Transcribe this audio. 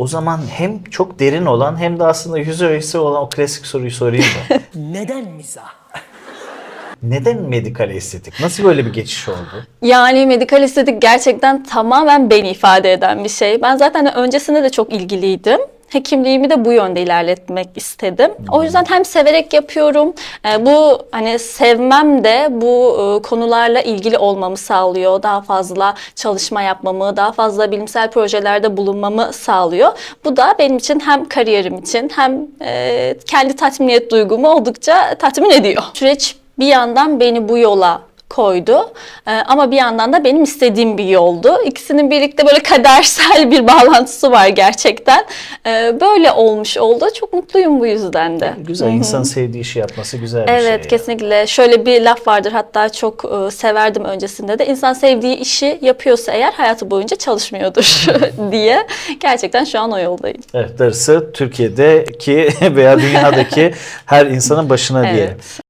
O zaman hem çok derin olan hem de aslında yüz öğesi olan o klasik soruyu sorayım mı? Neden mizah? Neden medikal estetik? Nasıl böyle bir geçiş oldu? Yani medikal estetik gerçekten tamamen beni ifade eden bir şey. Ben zaten öncesinde de çok ilgiliydim. Hekimliğimi de bu yönde ilerletmek istedim. O yüzden hem severek yapıyorum. Bu hani sevmem de bu konularla ilgili olmamı sağlıyor. Daha fazla çalışma yapmamı, daha fazla bilimsel projelerde bulunmamı sağlıyor. Bu da benim için hem kariyerim için hem kendi tatminiyet duygumu oldukça tatmin ediyor. Süreç bir yandan beni bu yola koydu. Ama bir yandan da benim istediğim bir yoldu. İkisinin birlikte böyle kadersel bir bağlantısı var gerçekten. Böyle olmuş oldu. Çok mutluyum bu yüzden de. Güzel, insan sevdiği işi yapması güzel bir şey. Evet, kesinlikle. Şöyle bir laf vardır, hatta çok severdim öncesinde de. İnsan sevdiği işi yapıyorsa eğer hayatı boyunca çalışmıyordur diye. Gerçekten şu an o yoldayım. Evet, darısı Türkiye'deki veya dünyadaki her insanın başına diyelim. Evet.